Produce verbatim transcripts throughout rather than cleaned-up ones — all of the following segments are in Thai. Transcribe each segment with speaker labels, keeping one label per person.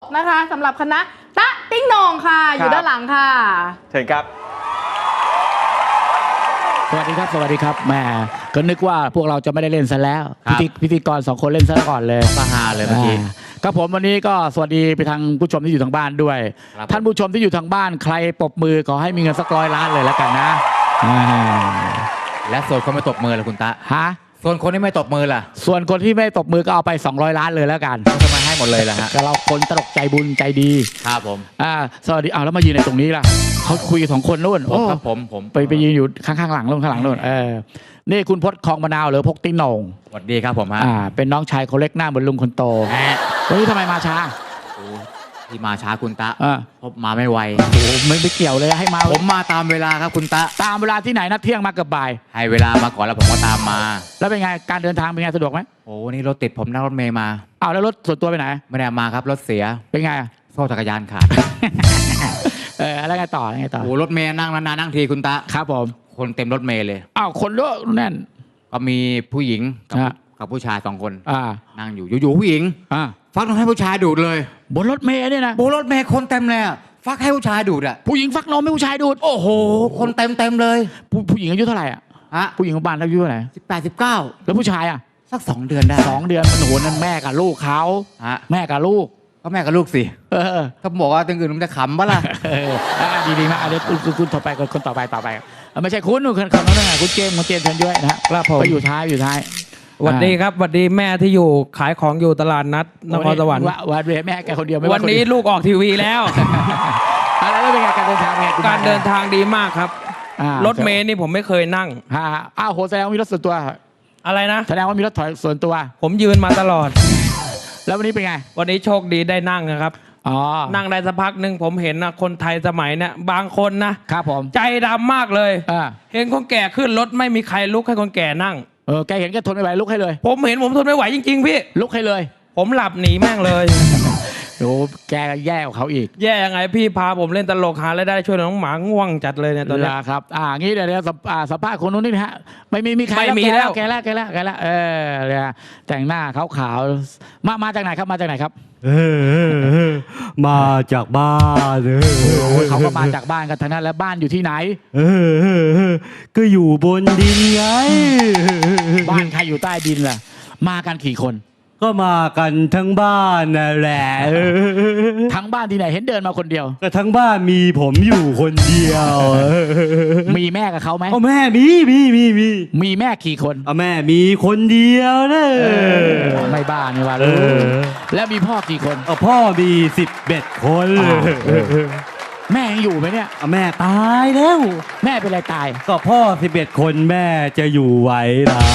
Speaker 1: นะคะสำหรับคณะตะติ้งโหน่งค่ะอยู่ด้านหลังค่ะ
Speaker 2: เชิญครับ
Speaker 3: สวัสดีครับสวัสดีครับแหมก็นึกว่าพวกเราจะไม่ได้เล่นซะแล้วพิธีพิธีกรสองคนเล่นซะก่อนเลย
Speaker 2: ปาฮาเลยเมื่อกี้
Speaker 3: ครับผมวันนี้ก็สวัสดีไปทางผู้ชมที่อยู่ทางบ้านด้วยท่านผู้ชมที่อยู่ทางบ้านใครปรบมือขอให้มีเงินสักร้อยล้านเลยแล้วกันนะ
Speaker 2: และส่วนคนไม่ตบมือล่ะคุณตา
Speaker 3: ฮะ
Speaker 2: ส่วนคนที่ไม่ตบมือล่ะ
Speaker 3: ส่วนคนที่ไม่ตบมือก็เอาไปสองร้อยล้านเลยแล้วกัน
Speaker 2: ทำไมให้หมดเลยล่ะฮะ
Speaker 3: ก็เราคนตลกใจบุญใจดี
Speaker 2: ครับผม
Speaker 3: อ่าสวัสดีอ้าวแล้วมายืนในตรงนี้ล่ะเขาคุยสองคนนู่น
Speaker 2: โอ้ครับผมผม
Speaker 3: ไปไปยืนอยู่ข้างๆหลังนู่นข้างหลังนู่นเออนี่คุณพจน์คลองมะนาวหรือพกติ้งโหน่ง
Speaker 2: สวัสดีครับผมฮะ
Speaker 3: อ่าเป็นน้องชายคนเล็กหน้าเหมือนลุงคนโตวันนี้ทำไมมาช้า
Speaker 2: ที่มาช้าคุณตาเพราะมาไม่ไว
Speaker 3: โอ้ไม่ไม่เกี่ยวเลยให้มา
Speaker 2: ผมมาตามเวลาครับคุณตา
Speaker 3: ตามเวลาที่ไหนนัดเที่ยงมาเกือบบ่าย
Speaker 2: ให้เวลามาก่อนแล้วผมก็ตามมา
Speaker 3: แล้วเป็นไงการเดินทางเป็นไงสะดวกไหม
Speaker 2: โอ้นี่รถติดผมนั่งรถเมย์มา
Speaker 3: อ้าวแล้วรถส่วนตัวไปไหน
Speaker 2: ไม่ได้มาครับรถเสีย
Speaker 3: เป็นไง
Speaker 2: โซ่จักรยานขาด
Speaker 3: เออแล้วไงต่อไงต่อ
Speaker 2: โอ้รถเมย์นั่งนานๆนั่งทีคุณตา
Speaker 3: ครับผม
Speaker 2: คนเต็มรถเมย์เลย
Speaker 3: อ้าวคนเยอะแน่น
Speaker 2: ก็มีผู้หญิงกับผู้ชายสองคนนั่งอยู่อยู่ผู้หญิงฟักนมให้ผู้ชายดูดเลย
Speaker 3: บนรถเมย์เนี่ยนะ
Speaker 2: บนรถเมย์คนเต็มเลยฟักให้ผู้ชายดูดอ่ะ
Speaker 3: ผู้หญิงฟักนมให้ผู้ชายดูด
Speaker 2: โอ้โหคนเต็มเต็มเลย
Speaker 3: ผู้ผู้หญิงอายุเท่าไหร่อ่ะ
Speaker 2: ฮะ
Speaker 3: ผู้หญิงของบ้านอายุเท่าไหร่
Speaker 2: สิบแปดสิบเก้า
Speaker 3: แล้วผู้ชายอ่ะ
Speaker 2: สักสองเดือนได้
Speaker 3: สองเดือนมันโหนั่นแม่กับลูกเขาแม่กับลูก
Speaker 2: ก็แม่กับลูกสิ
Speaker 3: เออ
Speaker 2: ถ้าบอกว่าตึงอื่นมันจะขำปะล่ะ
Speaker 3: ดีดีมากอันนี้คุณคุณต่อไปคนต่อไปต่อไปไม่ใช่คุณคุณคนนั้นไงคุณเจมส์คุณเจมส์เชิญด้วยนะครับผมไปอยู่ท้ายอยู่ท้าย
Speaker 4: สวัสดีครับสวัสดีแม่ที่อยู่ขายของอยู่ตลาดนัดนครสวรรค์
Speaker 3: วันเวแม่แกคนเดียว
Speaker 4: วันนี้ลูกออกทีวีแล้ว
Speaker 3: อะไรแล้วเป็นไงการเดินทางไง
Speaker 4: การเดินทางดีมากครับรถเมล์นี่ผมไม่เคยนั่ง
Speaker 3: อ้าวโหแสดงว่ามีรถส่วนตัว
Speaker 4: อะไรนะ
Speaker 3: แสดงว่ามีรถถอยส่วนตัว
Speaker 4: ผมยืนมาตลอด
Speaker 3: แล้ววันนี้เป็นไง
Speaker 4: วันนี้โชคดีได้นั่งนะครับนั่งได้สักพักหนึ่งผมเห็นนะคนไทยสมัยเนี่ยบางคนนะครับ
Speaker 3: ผม
Speaker 4: ใจดำมากเลยเห็นคนแก่ขึ้นรถไม่มีใครลุกให้คนแก่นั่ง
Speaker 3: เออแกเห็นแกทนไม่ไหวลุกให้เลย
Speaker 4: ผมเห็นผมทนไม่ไหวจริงๆพี่
Speaker 3: ลุกให้เลย
Speaker 4: ผมหลับหนีแม่งเลย
Speaker 3: โอ้แกแย่กว่าเขาอีก
Speaker 4: แย่ยังไงพี่พาผมเล่นตลกหาแล้วได้ช่วยน้องหมาง่วงจัดเลยเนี่ยตอนนี้
Speaker 3: ครับอ่างี้เดี๋ยวสัมภาษณ์คนนู้นนี่นะฮะไม่มีมีใคร
Speaker 4: ไม่มีแล้ว
Speaker 3: แกแล้วแกแล้วแกแล้วเออเนี่ยแต่งหน้าขาวๆมามาจากไหนครับมาจากไหนครับ
Speaker 5: เออมาจากบ้านเอ
Speaker 3: อเขาก็มาจากบ้านกันทั้งนั้นแล้วบ้านอยู่ที่ไหน
Speaker 5: เออก็อยู่บนดินไง
Speaker 3: บ้านใครอยู่ใต้ดินล่ะมากันกี่คน
Speaker 5: ก็มากันทั้งบ้านนั่นแหละ
Speaker 3: ทั้งบ้านที่ไหนเห็นเดินมาคนเดียว
Speaker 5: ก็ทั้งบ้านมีผมอยู่คนเดียว
Speaker 3: มีแม่กับเขาไหม
Speaker 5: อ๋อแม่มีมีมีมี
Speaker 3: มีแม่กี่คน
Speaker 5: อ๋อแม่มีคนเดียวนะ
Speaker 3: ไม่บ้านี่ว่าลูกแล้วมีพ่อกี่คน
Speaker 5: อ๋อพ่อมีสิบเอ็ดคน
Speaker 3: แม่ยังอยู่ไหมเนี่ย
Speaker 5: แม่ตายแล้ว
Speaker 3: แม่เป็นอะไรตาย
Speaker 5: ก็พ่อสิบเอ็ดคนแม่จะอยู่ไหวหรอ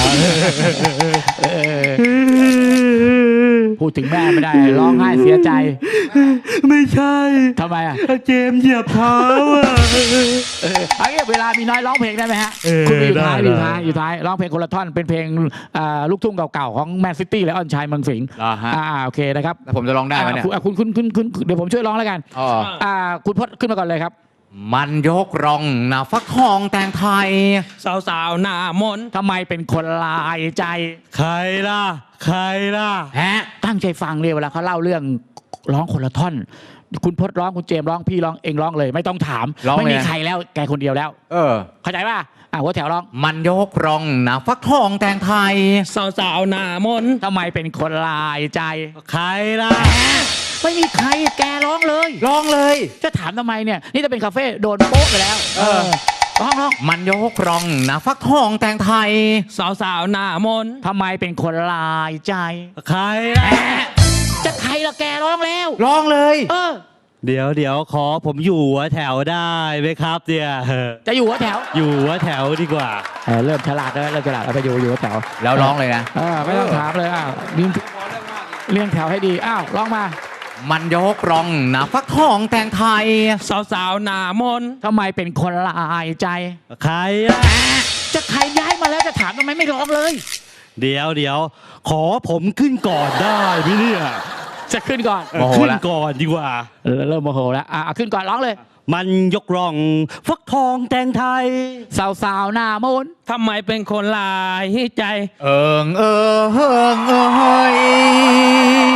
Speaker 3: พูดถึงแม่ไม่ได้ร้องไห้เสียใจ
Speaker 5: ไม่ใช่
Speaker 3: ทำไมอ่ะ
Speaker 5: เจมเหยียบเท้าอ่ะ
Speaker 3: เออเอางี้เวลามีน้อยร้องเพลงได้ไหมฮะคุณอยู่ท้ายอยู่ท้ายอยู่ท้ายร้องเพลงคนละท่อนเป็นเพลงลูกทุ่งเก่าๆของแมนซิตี้และออนชัยเมืองสิงห์อ่าโอเคนะครับ
Speaker 2: แล้วผมจะร้องได้ไหมเนี่ย
Speaker 3: คุณคุณคุณคุณเดี๋ยวผมช่วยร้องแล้วกันอ่าคุณพจน์ขึ้นมาก่อนเลยครับ
Speaker 2: มันยกรองหน้าฟักทองแต่งไทย
Speaker 4: สาวๆหน้ามน
Speaker 3: ทำไมเป็นคนลายใจ
Speaker 5: ใครล่ะใครล่ะ
Speaker 3: ฮะตั้งใจฟังเลยเวลาเขาเล่าเรื่องร้องคนละท่อนคุณพจน์ร้องคุณเจมร้องพี่ร้องเองร้องเลยไม่ต้องถามไม่มีใครแล้วแกคนเดียวแล้ว
Speaker 2: เออ
Speaker 3: เข้าใจป่ะอ่ะหัวแถวร้อง
Speaker 2: มันยกรองหน้าฟักทองแต่งไทย
Speaker 4: สาวๆหน้ามน
Speaker 3: ทำไมเป็นคนลายใจ
Speaker 5: ใครล่ะ
Speaker 3: ไม่มีใครแกร้องเลย
Speaker 2: ร้องเลย
Speaker 3: จะถามทำไมเนี่ยนี่จะเป็นคาเฟ่โดนโป๊ะไปแล้วเออร้องร้อง
Speaker 2: มันยกรองหน้าฟักทองแต่งไทย
Speaker 4: สาวๆหน้ามน
Speaker 3: ทำไมเป็นคนลายใจ
Speaker 5: ใครล่ะ
Speaker 3: จะใครละแกร้องแล้ว
Speaker 2: ร้องเลย
Speaker 3: เออ
Speaker 5: เดี๋ยวเดี๋ยวขอผมอยู่หัวแถวได้ไหมครับเดี๋ยว
Speaker 3: จะอยู่หัวแถว
Speaker 5: อยู่หัวแถวดีกว่า
Speaker 3: เริ่มฉลาดแล้วเริ่มฉลาดเอาไปอยู่อยู่หัวแถว
Speaker 2: แล้วร้องเลยนะ
Speaker 3: เออไม่ต้องถามเลยอ้าวเลี้ยงแถวให้ดีอ้าวร้องมา
Speaker 2: มันยกรองหน้าฟักทองแต่งไทย
Speaker 4: สาวๆหน้ามน
Speaker 3: ทำไมเป็นคนลายใจ
Speaker 5: ใครล่ะ
Speaker 3: จะใครย้ายมาแล้วจะถามทำไมไม่ร้องเลย
Speaker 5: เดี๋ยวเดี๋ยวขอผมขึ้นก่อนได้ไหมเนี่ย
Speaker 3: จะขึ้นก่อน
Speaker 5: ขึ้นก่อนดีกว่า
Speaker 3: เริ่มโมโหแล้วอ่ะขึ้นก่อนร้องเลย
Speaker 5: มันยกร่องฟักทองแต่งไทย
Speaker 3: สาวๆหน้ามน
Speaker 4: ทำไมเป็นคนลายใจ
Speaker 2: เอิงเอิงเอิงเอิงเฮย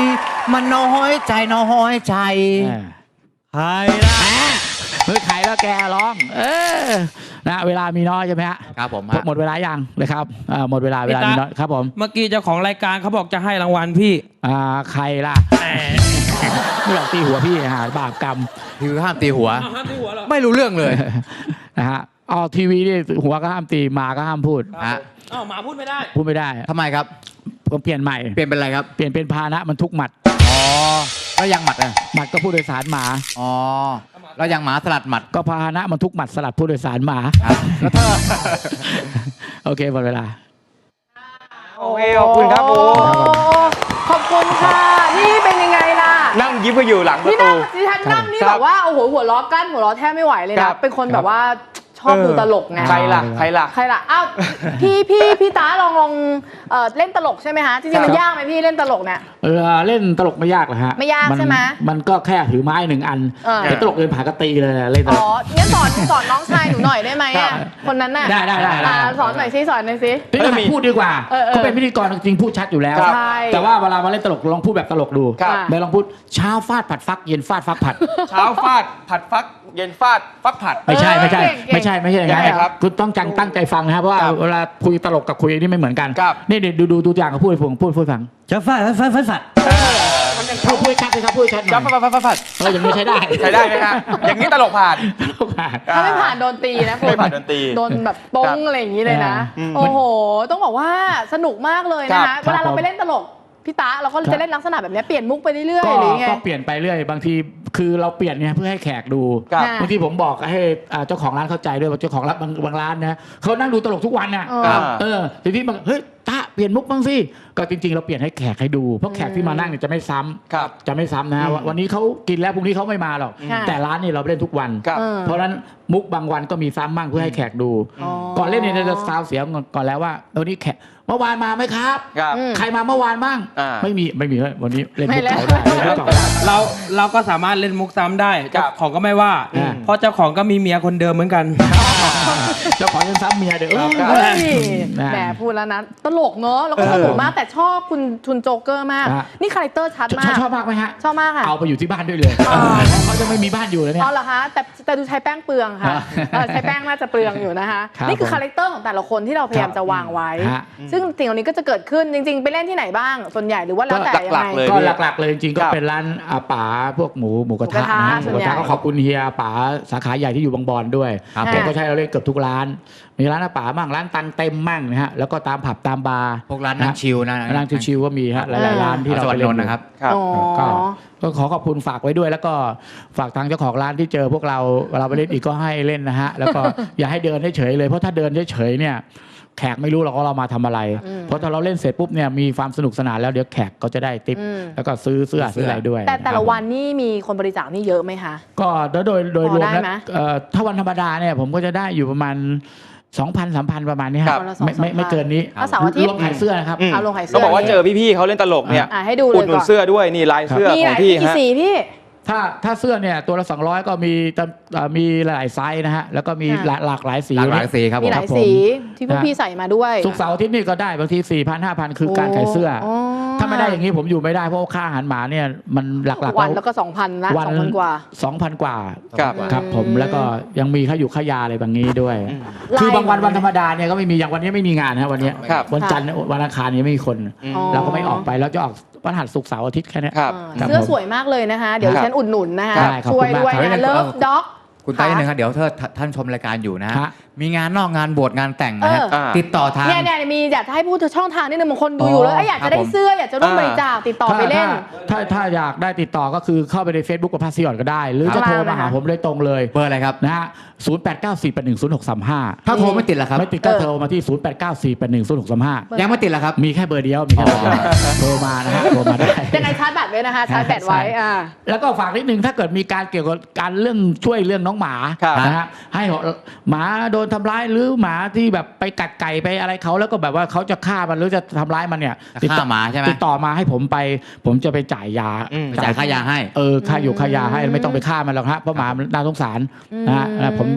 Speaker 2: มันน้อยใจน้อยใจ
Speaker 5: ใครล่ะ
Speaker 3: เฮ้ยใครแล้วแกร้อง เออนะเวลามีน้อยใช่ไหมฮะ
Speaker 2: ครับผมฮะ
Speaker 3: หมดเวลายังนะครับอ่าหมดเวลาเวลามีน้อยครับผม
Speaker 4: เมื่อกี้เจ้าของรายการเขาบอกจะให้รางวัลพี่
Speaker 3: อ่าใครล่ะไม่หลอกตีหัวพี่หาบาปกรรม
Speaker 2: คือห้ามตีหัว
Speaker 4: อ้าวห้ามตีหัวเหรอ
Speaker 2: ไม่รู้เรื่องเลย
Speaker 3: นะฮะออกทีวีนี่หัวก็ห้ามตีหมาก็ห้ามพูด
Speaker 2: ฮะ
Speaker 4: อ้าวหมาพูดไม่ได้
Speaker 3: พูดไม่ได้
Speaker 2: ทำไมครับ
Speaker 3: ผมเปลี่ยนใหม่
Speaker 2: เปลี่ยนเป็นอะไรครับ
Speaker 3: เปลี่ยนเป็นพาหนะมันทุกหมัด
Speaker 2: อ๋อแล้วยังหมัดอ่ะ
Speaker 3: หมัดก็ผู้โดยสารหมา
Speaker 2: อ๋อแล้วยังหมาสลัดหมัด
Speaker 3: ก็พาหนะมันทุกหมัดสลัดผู้โดยสารหมา
Speaker 2: ครับแล้วถ้า
Speaker 3: โอเคหมดเวลา
Speaker 6: โอเคขอบคุณครับโอ้
Speaker 1: ขอบคุณค่ะ นี่เป็นยังไงล่ะ
Speaker 6: นั่งยิ้มก็อยู่หลังประ
Speaker 1: นี่
Speaker 6: ตู
Speaker 1: นั่งดิฉันนั่งนี่
Speaker 6: ค
Speaker 1: แบ
Speaker 6: รับบ
Speaker 1: ว่าโอ้โหหัวล้อกั้นหัวล้อแทบไม่ไหวเลย
Speaker 6: ครั
Speaker 1: นะ
Speaker 6: บ
Speaker 1: เป็นคนแบบว่าชอบดูตลกไง
Speaker 6: ใครล่ะใครล่ะ
Speaker 1: ใครล่ะอ้าวพี่พี่พี่ตาลองลองเอ่อเล่นตลกใช่ไหมฮะจริงๆมันยากไหมพี่เล่นตลกเนี่ย
Speaker 3: เออเล่นตลกไม่ยากหรอกฮะ
Speaker 1: ไม่ยาก
Speaker 3: น
Speaker 1: ใช่ไหม
Speaker 3: มันก็แค่ถือไม้หนึ่งอัน
Speaker 1: เออ
Speaker 3: แต่ตลกเดินผ่านก็ตีเลยเล่นต
Speaker 1: อ๋
Speaker 3: ล
Speaker 1: อก งั้นสอนสอนน้องชายหนูหน่อยได้ไหม
Speaker 6: ครั
Speaker 1: อ่ะ
Speaker 6: บ
Speaker 1: คนนั้นน่ะ
Speaker 3: ได้ได้ได้ได้
Speaker 1: อ่าสอนหน่อยซิสอนหน่อยซิ
Speaker 3: พี่ต้องหัดพูดดีกว่า
Speaker 1: เออเออ
Speaker 3: เขาเป็นพิธีกรจริงๆพูดชัดอยู่แล้ว
Speaker 6: ครับ
Speaker 1: ใช่
Speaker 3: แต่ว่าเวลามาเล่นตลกลองพูดแบบตลกดู
Speaker 6: ครับ
Speaker 3: ไม่ลองพูดเช้าฟาดผัดฟักเย็นฟาดฟักผัด
Speaker 6: เช้าฟาดผัดฟัก เย็นฟาดฟักผัด
Speaker 3: ไม่ใช่ไม่ใช่
Speaker 1: เก่งเก่ง
Speaker 3: ไม่ใช่ไม่ใช่อย่างนั้น
Speaker 6: ยังไงครับ
Speaker 3: คุณต้องจังตั้งใจฟังนะครับเพราะว่า
Speaker 6: ครับ
Speaker 3: เวลาคุยตลกกับคุยนี่ไม่เหมือนกัน
Speaker 6: ครับ
Speaker 3: นี่ดูดูดูตัวอย่างกับพูดให้ผมพูดพูดฟัง
Speaker 5: จะฟาดฟาดฟาดฟาด
Speaker 3: พูดพูดชัดเลยครับพูดชัดหน่
Speaker 6: จับ
Speaker 3: อย
Speaker 6: ฟัดฟัดฟัดฟัด
Speaker 3: เอออย่างนี้ใช้ได้
Speaker 6: ใช้ได้ไหมครับอย่างนี้ตลกผ่าน
Speaker 3: ตลกผ่าน
Speaker 1: ถ้าไม่ผ่านโดนตีนะคุณ
Speaker 6: ไม่ผ่านโดนตี
Speaker 1: โดนแบบป้งอะไรอย่างนี้เลยนะ
Speaker 6: อืม
Speaker 1: โอ้โห ต้องบอกว่าสนุกมากเลยนะ
Speaker 6: ครั
Speaker 1: คะ
Speaker 6: บ
Speaker 1: เวลาเราไปเล่นตลกพี่ตาเราก็จะเล่นลักษณะแบบนี้เปลี่ยนมุกไปเรื่อยๆหรือไง
Speaker 3: ก็เปลี่ยนไปเรื่อยบางทีคือเราเปลี่ยนเนี่ยเพื่อให้แขกดู
Speaker 6: ครับ
Speaker 1: ค่ะ
Speaker 3: บางทีผมบอกให้อ่าเจ้าของร้านเข้าใจด้วยว่าเจ้าของร้านบางบางร้านนะเขานั่งดูตลกทุกวันน่ะ
Speaker 1: เออ
Speaker 6: ครับ
Speaker 3: เออทีนี้บางเฮ้ยตาเปลี่ยนมุกบ้างสิก็จริงๆเราเปลี่ยนให้แขกให้ดูเพราะแขกที่มานั่งเนี่ยจะไม่ซ้ำ
Speaker 6: ครับ
Speaker 3: จะไม่ซ้ำนะฮะ
Speaker 6: อืม
Speaker 3: วันนี้เขากินแล้วพรุ่งนี้เขาไม่มาหรอก
Speaker 1: ค่ะ
Speaker 3: แต่ร้านนี่เราเล่นทุกวัน
Speaker 6: ครับ
Speaker 1: เออ
Speaker 3: เพราะฉะนั้นมุกบางวันก็มีซ้ำบ้างเพื่อให้แขกดู
Speaker 1: อ๋อ
Speaker 3: ก่อนเล่นเนี่ยจะซาวเสียงก่อนแล้วว่าวันนี้แขกเมื่อวานมาไหมครับ
Speaker 6: ครับ
Speaker 1: อืม
Speaker 3: ใครมาเมื่อวานบ้าง
Speaker 6: อ่า
Speaker 3: ไม่มีไม่มีเฮ้ยวันนี้เล่น
Speaker 1: ไม่
Speaker 3: มุก
Speaker 1: แล้ว
Speaker 3: เก่าได้เล่นมุกเก่าได้
Speaker 4: เราเราก็สามารถเล่นมุกซ้ำได้
Speaker 6: ครั
Speaker 4: เจ้า
Speaker 6: บ
Speaker 4: ของก็ไม่ว่า
Speaker 3: อืม
Speaker 4: เพราะเจ้าของก็มีเมียคนเดิมเหมือนกัน
Speaker 3: เจ้าของยังซ้ำเมียเด้อเออ
Speaker 1: เฮ้ย
Speaker 3: นะ
Speaker 1: แหมพูดแล้วนะตลกเนอะแล้วก็สนุกมากแต่ชอบคุณทุนโจ๊กเกอร์มาก
Speaker 3: ฮะ
Speaker 1: นี่คาแรคเตอร์ชัด
Speaker 3: ชอบ
Speaker 1: มาก
Speaker 3: ชอบมากไหมฮะ
Speaker 1: ชอบมากค่ะ
Speaker 3: เอาไปอยู่ที่บ้านด้วยเลย
Speaker 1: อ๋อ
Speaker 3: เขาจะไม่มีบ้านอยู่แล้วเนี่ย
Speaker 1: อ๋อเหรอคะแต่แต่ดูใช้แป้งเปลืองค่ะ
Speaker 3: ฮะ
Speaker 1: เออใช้แป้งน่าจะเปลืองอยู่นะคะ
Speaker 3: ครับ
Speaker 1: นี่คือ
Speaker 3: ผม
Speaker 1: คาแรคเตอร์ของแต่ละคนที่เราพยายามจะวางไว้
Speaker 3: ฮะ
Speaker 1: ซึ่งสิ่งเหล่านี้ก็จะเกิดขึ้นจริง ๆ ไปเล่นที่ไหนบ้าง ส่วนใหญ่หรือว่าแล้วแต่ยัง
Speaker 6: หลั
Speaker 1: ไง
Speaker 6: กๆเลย
Speaker 3: ก็หลักๆเลยจริงๆก็
Speaker 6: ครับ
Speaker 3: เป็นร้านอาป๋าพวกหมูหมูกระทะ
Speaker 1: หมูกระทะ
Speaker 3: นะฮะห
Speaker 1: ส่
Speaker 3: มู
Speaker 1: วน
Speaker 3: กระ
Speaker 1: ใหญ่
Speaker 3: ทะก็ขอบคุณเฮียป๋าสาขาใหญ่ที่อยู่บางบอนด้วย
Speaker 2: ครับ
Speaker 3: แกก็ใช้เราเล่นเกือบทุกร้าน มีร้านอาป๋ามั่งร้านตังเต็มมั่งนะฮะแล้วก็ตามผับตามบาร์
Speaker 2: พวกร้านนั่งชิลนะ
Speaker 3: ร้านชิวๆก็มีฮะหลายๆร้านที่เรา
Speaker 2: สวร
Speaker 3: ไป
Speaker 2: รค์
Speaker 3: เล่
Speaker 2: น
Speaker 3: น
Speaker 2: นท์นะครับ
Speaker 6: ครับ
Speaker 1: อ๋อ
Speaker 3: ก็ก็ขอขอบคุณฝากไว้ด้วย แล้วก็ฝากทางเจ้าของร้านที่เจอพวกเราเราไปเล่นอีกก็ให้เล่นนะฮะแล้วก็ อย่าให้เดินเฉยๆเลยเพราะถ้าเดินเฉยๆเนี่ยแขกไม่รู้หรอกว่าเรามาทำอะไร
Speaker 1: อืม
Speaker 3: เพราะถ้าเราเล่นเสร็จปุ๊บเนี่ยมีความสนุกสนานแล้วเดี๋ยวแขกก็จะได้ติป
Speaker 1: อืม
Speaker 3: แล้วก็ซื้อเสื้อ
Speaker 2: ซื้
Speaker 3: ซื้
Speaker 2: อ
Speaker 3: ออะไรด้วย
Speaker 1: แต่แต่ละ
Speaker 3: ครับ
Speaker 1: วันนี่มีคนบริจาคนี่เยอะไหมคะ
Speaker 3: ก็โดยโดยโดย
Speaker 1: พอ
Speaker 3: รวม
Speaker 1: ได้
Speaker 3: แล้ว
Speaker 1: ไหม
Speaker 3: เอ่อถ้าวันธรรมดาเนี่ยผมก็จะได้อยู่ประมาณ สองพัน สามพัน ประมาณนี้
Speaker 6: ครั
Speaker 3: ฮะ
Speaker 6: บ
Speaker 1: วันละสอง
Speaker 3: ไม่ไม่
Speaker 1: สามพัน
Speaker 3: ไม่เกินนี้
Speaker 1: ถ้าเสาร์อาทิตย์
Speaker 3: รวมขายเสื้อนะครับ
Speaker 6: อืม
Speaker 1: เอาลงขายเสื้
Speaker 6: ก็บอกว่าเจอพี่ๆเขาเล่นตลกเนี่ย
Speaker 1: อ่ะให้ดูเล
Speaker 6: อุด
Speaker 1: ย
Speaker 6: หนุ
Speaker 1: ก่
Speaker 6: น
Speaker 1: อน
Speaker 6: เสื้อด้วยนี่ลายเสื้อ
Speaker 1: มี
Speaker 6: ข
Speaker 1: ห
Speaker 6: อง
Speaker 1: ลาย
Speaker 6: พี่
Speaker 1: กี่
Speaker 6: ฮะ
Speaker 1: สีพี่
Speaker 3: ถ้าถ้าเสื้อเนี่ยตัวละสองร้อยก็มีจำเอ่อมีหลายไซส์นะฮะแล้วก็มี
Speaker 1: ค่ะ
Speaker 3: หลายหลากหลายสี
Speaker 2: หลากหลายสีครับผ
Speaker 1: มี
Speaker 2: ม
Speaker 1: หลาย
Speaker 3: ผม
Speaker 1: สีที่พวก
Speaker 3: นะ
Speaker 1: พี่ใส่มาด้วย
Speaker 3: ศุกร์เสาร์อาทิตย์นี่ก็ได้บางที สี่พัน ห้าพัน คือการขายเสื้อ
Speaker 1: โอ้
Speaker 3: ถ้าไม่ได้อย่างนี้ผมอยู่ไม่ได้เพราะว่าค่าอาหารหมาเนี่ยมันหลักๆ
Speaker 1: วันแล้วก็สองพันละ
Speaker 3: วั
Speaker 1: สองพันกว่า
Speaker 3: สองพันกว่า
Speaker 6: ครับ
Speaker 3: ครับผมแล้วก็ยังมีค่าอยู่ค่ายาอะไรบางนี้ด้วย
Speaker 6: อืม
Speaker 3: คือบางวันวันธรรมดาเนี่ยก็ไม่มีอย่างวันนี้ไม่มีงานนะวันนี้
Speaker 6: ครับ
Speaker 3: วันจันทร์วันอังคารเนี่ยไม่มีคน
Speaker 6: อืม
Speaker 1: อ๋อ
Speaker 3: เราก็ไม่ออกไปเราจะออกวันหัสศุกร์เสาร์อาทิตย์แค่เนี้ย
Speaker 6: ครับ
Speaker 1: เออเสื้อสวยมากเลยนะคะ เดี๋ยว
Speaker 6: ครับ
Speaker 1: ฉันอุดหนุนนะคะ
Speaker 3: ได้ขอบ
Speaker 1: ช่
Speaker 3: คุ
Speaker 1: วย
Speaker 3: ณมาก
Speaker 1: ด้วย
Speaker 2: ครับ
Speaker 1: นะเลิฟด็อก
Speaker 2: คุณไต้หนึ่งครับเดี๋ยวถ้าท่านชมรายการอยู่นะ
Speaker 3: ฮะ
Speaker 2: มีงานนอกงานบวชงานแต่งนะฮะ
Speaker 1: เออ
Speaker 2: ติดต่อทาง
Speaker 1: เนี่ยเนี่ยมีอยากจะให้พูดถึงช่องทางนิดนึงบางคนดูอยู่แล้ว
Speaker 3: อ๋อ
Speaker 1: เอ้ยอยากจะได้
Speaker 2: ครับผม
Speaker 1: เสื้ออยากจะร่วมบริจาคติดต่อไปเล่น
Speaker 3: ถ้าถ้าถ้าอยากได้ติดต่อก็คือเข้าไปใน Facebook กับพาซิออนก็ได้ หรือ
Speaker 1: ครั
Speaker 3: จะ
Speaker 1: บ
Speaker 3: โทรมาหาผมเลยตรงเลย
Speaker 2: เบอร์อะไรครับ
Speaker 3: นะฮะศูนย์ แปด เก้า สี่ แปด หนึ่ง ศูนย์ หก สาม ห้า
Speaker 2: ถ้าโทรไม่ติดล่ะครับ
Speaker 3: ไม่ติดก็โทรมาที่ ศูนย์ แปด เก้า สี่ แปด หนึ่ง ศูนย์ หก สาม ห้า
Speaker 2: ยังไม่ติดล่ะครับ
Speaker 3: มีแค่เบอร์เดียวมีแค่เบอร์เดียวโทรมานะฮะโทรมาได้
Speaker 1: ยังไงชาร์จแบตไว้นะคะ ชาร์จแบตไว้อ่า
Speaker 3: แล้วก็ฝากนิดนึงถ้าเกิดมีการเกี่ยวกับการเรื่องช่วยเรื่องน้องหมา
Speaker 6: ครับ
Speaker 3: นะฮะให้หมาโดนทำร้ายหรือหมาที่แบบไปกัดไก่ไปอะไรเขาแล้วก็แบบว่าเขาจะฆ่ามันหรือจะทำร้ายมันเนี่ย
Speaker 2: จะ
Speaker 3: ติดต่อ
Speaker 2: ฆ่าหมาใช่ไหม
Speaker 3: ติดต่อมาให้ผมไป ผมจะไปจ่ายยา
Speaker 6: อืม
Speaker 2: ไปจ่ายค่ายาให้
Speaker 3: เออค่าอยู่ค่ายาให้ไม่ต้องไปฆ่ามันหรอกฮะเพราะหมามันน่าสงสารนะฮะ
Speaker 1: อืม
Speaker 3: นะผม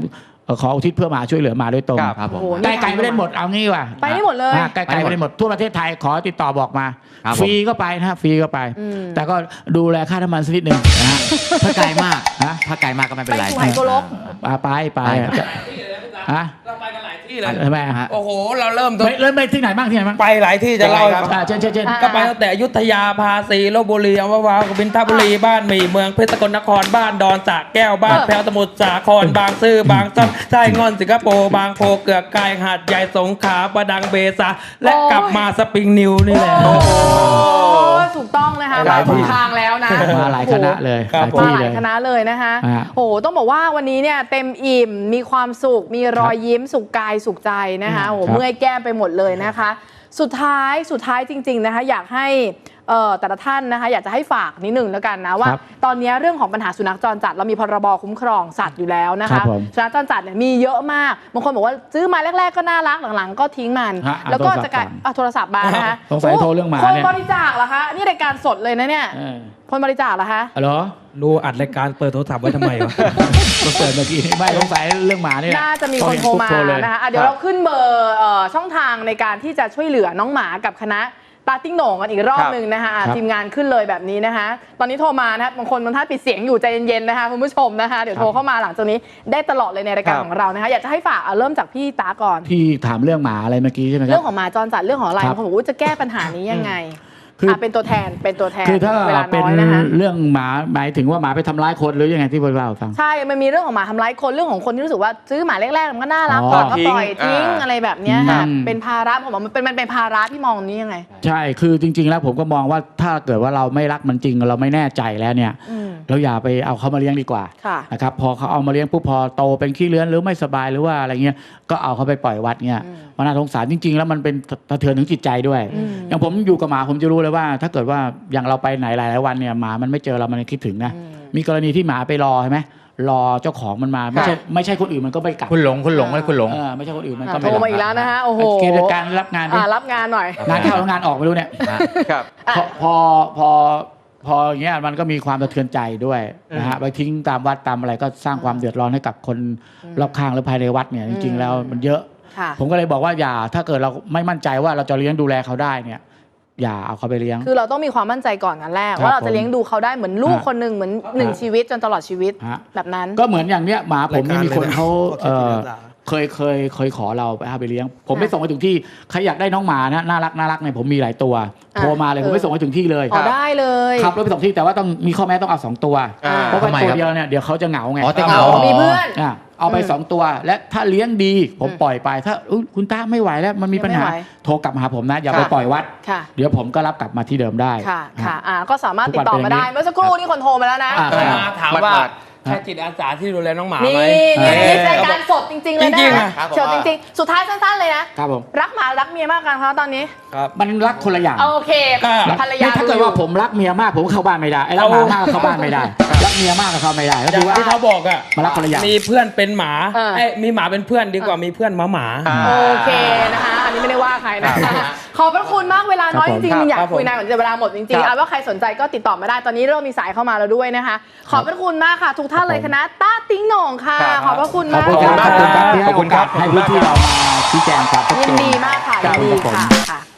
Speaker 3: ขออุทิศเพื่อมาช่วยเหลือมาโดยตรง
Speaker 2: ครับผม
Speaker 1: โอ้โห
Speaker 3: ไก่ไก่ไม่ได้หมดเอางี้ว่ะ
Speaker 1: ไปได้หมดเลย
Speaker 3: อ่าไก่ไก่ไม่ได้หมดทั่วประเทศไทยขอติดต่อบอกมา
Speaker 2: ครับผม
Speaker 3: ฟรีก็ไปนะฮะฟรีก็ไป
Speaker 1: อืม
Speaker 3: แต่ก็ดูแลค่าน้ำมันสักนิดหนึ่งนะฮะ
Speaker 2: ถ้าไกลมาก
Speaker 3: ฮะ
Speaker 2: ถ้าไกลมากก็ไม่เป็นไร
Speaker 1: ไปสุไหงโกลก
Speaker 3: อ่าไปไป
Speaker 2: ไปครับ
Speaker 3: จะฮะ
Speaker 4: เราไปกันหลายที่เลย
Speaker 3: ทำไมฮะ
Speaker 4: โอ้โห เราเริ่มต้น
Speaker 3: ไม่เริ่มไปที่ไหนบ้างที่ไหนบ้าง
Speaker 4: ไปหลายที่จะเล่าให้ฟัง
Speaker 3: อ่าเช่นเช่นเช่น
Speaker 1: อ่า
Speaker 4: ก็ไปตั้งแต่อยุธยาภาษีลบบุรีอัมพวากบินทบุรีบ้านหมี่เมืองเพชรสกลนครบ้านดอนสระแก้วบ้าน
Speaker 1: เออ
Speaker 4: แพรวสมุทรสาครบางซื่อบางซ่อนไส้งอนสิงคโปร์บางโพเกือกกายหาดใหญ่สงขลาประดังเบซาและกลับมาสปริงนิวนี่แหละ
Speaker 1: โอ้โหถูกต้องนะคะ
Speaker 4: หลายที่
Speaker 1: ถูกทางแล้วนะ
Speaker 3: มาหลายคณะเลย
Speaker 4: ครับ
Speaker 3: หลาย
Speaker 1: มา
Speaker 3: ที่
Speaker 1: ห
Speaker 3: เล
Speaker 1: ลาย
Speaker 3: ย
Speaker 1: คณะเลยนะคะ
Speaker 3: อ่า
Speaker 1: โอ้โหต้องบอกว่าวันนี้เนี่ยเต็มอิ่มมีความสุขมีรอยยิ้มสุขกายสุขใจนะคะโอ้โห
Speaker 3: ครับ
Speaker 1: เมื่อยแก้มไปหมดเลยนะคะ สุดท้ายสุดท้ายจริงๆนะคะอยากให้เอ่อแต่ละท่านนะคะอยากจะให้ฝากนิดหนึ่งแล้วกันนะว่า
Speaker 3: ครับ
Speaker 1: ตอนนี้เรื่องของปัญหาสุนัขจรจัดเรามีพรบคุ้มครองสัตว์อยู่แล้วนะ
Speaker 3: ครั
Speaker 1: คะ
Speaker 3: บผม
Speaker 1: สุนัขจรจัดเนี่ยมีเยอะมากบางคนบอกว่าซื้อมาแรก ๆ ก็น่ารักหลังๆ ก็ทิ้งมัน
Speaker 3: ฮะอ่ะ
Speaker 1: แล้วก็
Speaker 3: โทรศัพท์
Speaker 1: จะกลาย
Speaker 3: ก่อน
Speaker 1: อ่ะโทรศัพท์มานะคะ
Speaker 3: สงสัยโทรเรื่องหมา
Speaker 1: คน
Speaker 3: เนี่ย
Speaker 1: บริจาคเหรอคะนี่รายการสดเลยนะเนี่ย
Speaker 3: เออ
Speaker 1: คนบริจาคเหรอคะ
Speaker 3: ฮัลโหล
Speaker 4: รู้อัดรายการเปิดโทรศัพท์ไว้ทำไมวะ
Speaker 3: มาเปิดเมื่อกี้นี่ไม่สงสัยเรื่องหมาเนี่ย
Speaker 1: น่าจะมีคนโทรมา
Speaker 3: เลย
Speaker 1: นะคะอ่ะเดี๋ยวเราขึ้นเบอร์เอ่อช่องทางในการที่จะช่วยเหลือน้องหมากับคณะตาติ้งโหน่งกันอีกรอบหนึ่งนะคะอ่ะ
Speaker 3: ครับ
Speaker 1: ทีมงานขึ้นเลยแบบนี้นะคะ ตอนนี้โทรมานะคะบางคนบางท่านปิดเสียงอยู่ใจเย็นๆนะคะคุณผู้ชมนะคะเดี๋ยวโทรเข้ามาหลังจากนี้ได้ตลอดเลยในรายการ
Speaker 6: ครับ
Speaker 1: ของเรานะคะอยากจะให้ฝากอ่ะเริ่มจากพี่ตาก่อน
Speaker 3: พี่ถามเรื่องหมาอะไรเมื่อกี้ใช่ไหมครั
Speaker 1: เรื่
Speaker 3: บ
Speaker 1: องของหมาจรจัดเรื่องของอะไร
Speaker 3: ครับ
Speaker 1: บางคนบอกว่าจะแก้ปัญหานี้ยังไง
Speaker 3: คืออ่
Speaker 1: ะเป็นตัวแทนเป็นตัวแทน
Speaker 3: คือถ้า
Speaker 1: เวลา
Speaker 3: เป็น
Speaker 1: น้อยนะคะ
Speaker 3: เรื่องหมาหมายถึงว่าหมาไปทำร้ายคนหรือยังไงที่พวกเราฟัง
Speaker 1: ใช่ มันมีเรื่องของหมาทำร้ายคน เรื่องของคนที่รู้สึกว่าซื้อหมาแรกๆ มันก็น่ารัก
Speaker 3: อ๋อ
Speaker 1: ก่อนก็ปล่อย
Speaker 6: ทิ้
Speaker 1: ทิ้ง
Speaker 6: งอ่า
Speaker 1: อะไรแบบเนี้ยค่ะ
Speaker 3: อืม
Speaker 1: เป็นภาระผมว่ามันเป็นมันเป็นภาระพี่มองนี้ยังไง
Speaker 3: ใช่คือจริง ๆ แล้วผมก็มองว่าถ้าเกิดว่าเราไม่รักมันจริงเราไม่แน่ใจแล้วเนี่ย
Speaker 1: อืม
Speaker 3: เราอย่าไปเอาเขามาเลี้ยงดีกว่า
Speaker 1: ค่ะ
Speaker 3: นะครับพอเขาเอามาเลี้ยงปุ๊บพอโตเป็นขี้เลื้อนหรือไม่สบายหรือว่าอะไรเงี้ยก็เอาเขาไปปล่อยวัดเงี้ย
Speaker 1: อืม
Speaker 3: มันน่าสงสารจริง ๆ แล้วมันเป็นสะเทือนถึงจิตใจด้วย
Speaker 1: อืม
Speaker 3: อย่างผมอยู่กับหมาผมจะรู้เลยว่า ถ้าเกิดว่าอย่างเราไปไหนหลายๆวันเนี่ยหมามันไม่เจอเรามันคิดถึงนะ
Speaker 1: อืม
Speaker 3: มีกรณีที่หมาไปรอใช่ไหมรอเจ้าของมันมาไม่ใช่ไม่ใช่คนอื่นมันก็ไม่กลับ
Speaker 2: คุณหลงคุณหลงไว้คุณหลง
Speaker 3: เออไม่ใช่คนอื่นมัน
Speaker 1: อ่ะ
Speaker 3: ก็
Speaker 1: โท
Speaker 3: ไม่
Speaker 1: ร
Speaker 3: รับ
Speaker 1: มาอีกแล้วนะคะโอ้โห
Speaker 3: เกณฑ์การรับงานดิ
Speaker 1: อ่ะรับงานหน่อย
Speaker 3: งานเข้าแล้วงานออกไม่รู้เนี่ย
Speaker 6: ครับ
Speaker 1: อ่ะ
Speaker 3: พอพอพอพออย่างเงี้ยมันก็มีความสะเทือนใจด้วยนะฮะไปทิ้งตามวัดตามอะไรก็สร้างความเดือดร้อนให้กับคนรอบข้างหรือภายในวัดเนี่ยจริง ๆ แล้วมันเยอะ
Speaker 1: ค่ะ
Speaker 3: ผมก็เลยบอกว่าอย่าถ้าเกิดเราไม่มั่นใจว่าเราจะเลี้ยงดูแลเขาได้เนี่ยอย่าเอาเขาไปเลี้ยง
Speaker 1: คือเราต้องมีความมั่นใจก่อนกันแรก
Speaker 3: ครับ
Speaker 1: ว่าเราจะ
Speaker 3: ผม
Speaker 1: เลี้ยงดูเขาได้เหมือนลูก
Speaker 3: ฮะ
Speaker 1: คนหนึ่งเหมือนหนึ่งชีวิตจนตลอดชีวิต
Speaker 3: ฮะ
Speaker 1: แบบนั้น
Speaker 3: ก็เหมือนอย่างเนี้ยหมาผมนี่
Speaker 5: รายการ
Speaker 3: มีคนเขา
Speaker 5: เลยนะ
Speaker 3: เอ่อ
Speaker 5: ขอเขียนทีละ
Speaker 3: เคยเคยเคยขอเราไปเอาไปเลี้ยง ผม
Speaker 1: ค่ะ
Speaker 3: ไม่ส่งไปถึงที่ใครอยากได้น้องหมานะน่ารักน่ารักเนี่ยผมมีหลายตัว
Speaker 1: อ่ะ
Speaker 3: โทรมาเลย
Speaker 1: เอ
Speaker 3: ผ
Speaker 1: อ
Speaker 3: มไม่ส่งไปถึงที่เลย
Speaker 1: อ๋อได้เลย
Speaker 3: ขับรถไปส่งที่แต่ว่าต้องมีข้อแม้ต้องเอาสองตัว
Speaker 6: อ่า
Speaker 3: เพราะว่า
Speaker 2: ทำไม
Speaker 3: ตัว
Speaker 2: ครับ
Speaker 3: เดียวเนี่ยเดี๋ยวเขาจะเหงาไง
Speaker 2: อ๋อจะเหงา
Speaker 1: อ๋อมีเพื่อน
Speaker 3: อ่ะเอาไป
Speaker 1: อืม
Speaker 3: สองตัว และถ้าเลี้ยงดีผม
Speaker 1: อืม
Speaker 3: ปล่อยไปถ้าอุ๊ยคุณตาไม่ไหวแล้วมันมีปัญหา
Speaker 1: ไม่ไหว
Speaker 3: โทรกลับมาหาผมนะอย่า
Speaker 1: ค่ะ
Speaker 3: ไปปล่อยวัด
Speaker 1: ค่ะ
Speaker 3: เดี๋ยวผมก็รับกลับมาที่เดิมได้
Speaker 1: ค่ะค่ะ
Speaker 3: อ่ะ
Speaker 1: อ่าก็สามารถติดต่อมาได้
Speaker 3: ทุกวันเป็นอย่างนี้
Speaker 1: เมื่อสักครู่นี่คนโทรมาแล้วนะ
Speaker 3: อ่ะ
Speaker 4: โทรมาถามว่า
Speaker 6: หมัด
Speaker 4: ใช่จิตอาสาที่ดูแลน้องหมา
Speaker 1: นี่
Speaker 4: ไหม
Speaker 1: นี่
Speaker 4: เออ
Speaker 1: รายการสดจริง ๆ เลย
Speaker 4: จริ
Speaker 1: นะ
Speaker 4: งๆอะ
Speaker 6: ครับผม
Speaker 1: สดจริง ๆ สุดท้ายสั้น ๆ เลยนะ
Speaker 3: ครับผม
Speaker 1: รักหมารักเมียมากกันคะตอนนี้
Speaker 4: ครับ
Speaker 3: มันรักคนละอย่าง
Speaker 1: โอเค
Speaker 4: อ่า
Speaker 1: ภรรยา
Speaker 3: ถ้าเกิดว่าผมรักเมียมากผมเข้าบ้านไม่ได้ไอ้รักหมามากก็เข้าบ้านไม่ได้รักเมียมากก็เข้าไม่ได้ก็
Speaker 4: อย่า
Speaker 3: คื
Speaker 4: ง
Speaker 3: อว่า
Speaker 4: ที่เขาบอกอ่ะ
Speaker 3: มารักคนละอย่าง
Speaker 4: มีเพื่อนเป็นหมา
Speaker 1: เออ
Speaker 4: เอ้ยมีหมาเป็นเพื่อนดีกว่ามีเพื่อนหมาหมา
Speaker 6: อ่า
Speaker 1: โอเคนะคะ อันนี้ไม่ได้ว่าใครนะ
Speaker 6: ครั
Speaker 1: คะ
Speaker 6: บ
Speaker 1: ขอบพระคุณมากเวลาน้อย
Speaker 3: ค
Speaker 1: จ
Speaker 3: รับผม
Speaker 1: ริงๆอยาก
Speaker 6: ครับผม
Speaker 1: คุยนานกว่านี้แต่เวลาหมดจริง
Speaker 6: ครั
Speaker 1: ๆ
Speaker 6: บ
Speaker 1: เอาว่าใครสนใจก็ติดต่อมาได้ตอนนี้เริ่มมีสายเข้ามาแล้วด้วยนะคะ ขอบพระคุณมากค่ะ ทุกท่านเลยคณะต้าติ้งโหน่งค่ะ
Speaker 6: ครับ
Speaker 1: ขอบพระคุณ
Speaker 3: ขอบ
Speaker 1: มาก
Speaker 3: คุณครับขอบคุณครับที่ให้
Speaker 6: ขอบ
Speaker 3: โอ
Speaker 6: คุณครั
Speaker 3: กา
Speaker 6: บ
Speaker 3: สให้พื้นที่เรามาชี้แจงความชัด
Speaker 1: ยิ
Speaker 3: เจ
Speaker 1: น
Speaker 3: น
Speaker 1: ดีมากค่ะ
Speaker 3: ครั
Speaker 1: ยิ
Speaker 3: บ
Speaker 1: นดี
Speaker 3: ผม
Speaker 1: ค่ะค่ะ